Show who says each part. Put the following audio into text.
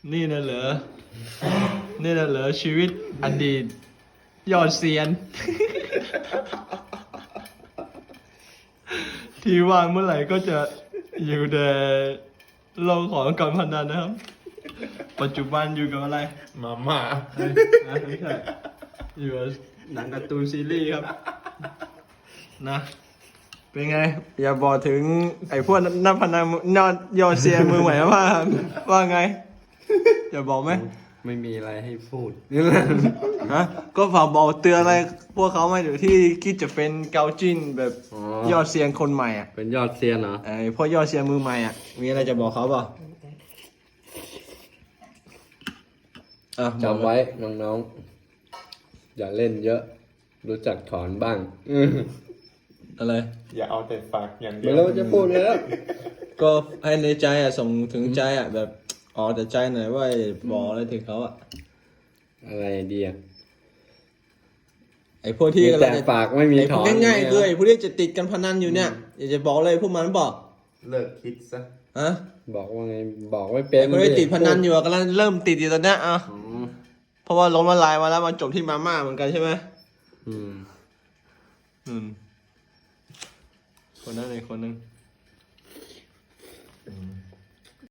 Speaker 1: นี่น่ะเหรอนี่น่ะเหรอชีวิตอดีตยอดเซียน ที่ว่างเมื่อไหร่ก็จะอยู่แต่โลกของการพนันนะครับ ปัจจุบันอยู่กับอะไร
Speaker 2: มาม่า
Speaker 1: ไม่ใช่อยู่กับหนังการ์ตูนซีรีส์ครับนะ เป็นไง อย่าบอกถึงไอ้พวกนักพนันยอดเซียนมือใหม่ว่าไง อย่าบอกไหม
Speaker 2: ไม่มีอะไรให้พูด
Speaker 1: ฮะก็ฝากบอกเตือนอะไรพวกเขาไหมเดี๋ยวที่คิดจะเป็นเกาจิ้นแบบ
Speaker 2: อ๋อ
Speaker 1: ยอดเซียนคนใหม่อ่ะ
Speaker 2: เป็นยอดเซียนเหรอ
Speaker 1: ไอ้พวกยอดเซียนมือใหม่อ่ะมีอะไรจะบอกเขาเปล่าอ่ะ
Speaker 2: จำไว้น้องๆ อย่าเล่นเยอะ รู้จักถอนบ้าง
Speaker 1: อะไร
Speaker 3: อย่าเอาแต่ฝากอย่างเดี
Speaker 2: ไม่
Speaker 3: ยว
Speaker 2: รู้จะพูดเลยแล้ว
Speaker 1: ก็ให้ในใจอ่ะส่งถึงใจอ่ะแบบอ๋อแต่ใจหน่อยว่าบอกอะไรถึงเขาอ่ะ
Speaker 2: อะไรดีอ่ะ
Speaker 1: ไอ้พวกที่
Speaker 2: มี
Speaker 1: กำลั
Speaker 2: แต่
Speaker 1: งจะ
Speaker 2: ฝากไม่มี
Speaker 1: ไอ้
Speaker 2: ถ
Speaker 1: พว
Speaker 2: อก น
Speaker 1: ง่ายๆคือไอ้พวกที่จะติดกันพนันอยู่เนี่ยอยากจะบอกเลยพวกมันบอก
Speaker 3: เลิกคิดซะ
Speaker 1: ฮะ
Speaker 2: บอกว่าไง บอกไม่เป็
Speaker 1: ไอ้
Speaker 2: น
Speaker 1: พวกที่ติดพนันอยู่อะกำลังเริ่มติดอยู่ตอนเนี้ยอ่ะ
Speaker 2: อืม
Speaker 1: เพราะว่าล้มละลายมาแล้วมาจบที่มาม่าเหมือนกันใช่ไหม
Speaker 2: อืม
Speaker 1: คนนั้นเลยคนหนึง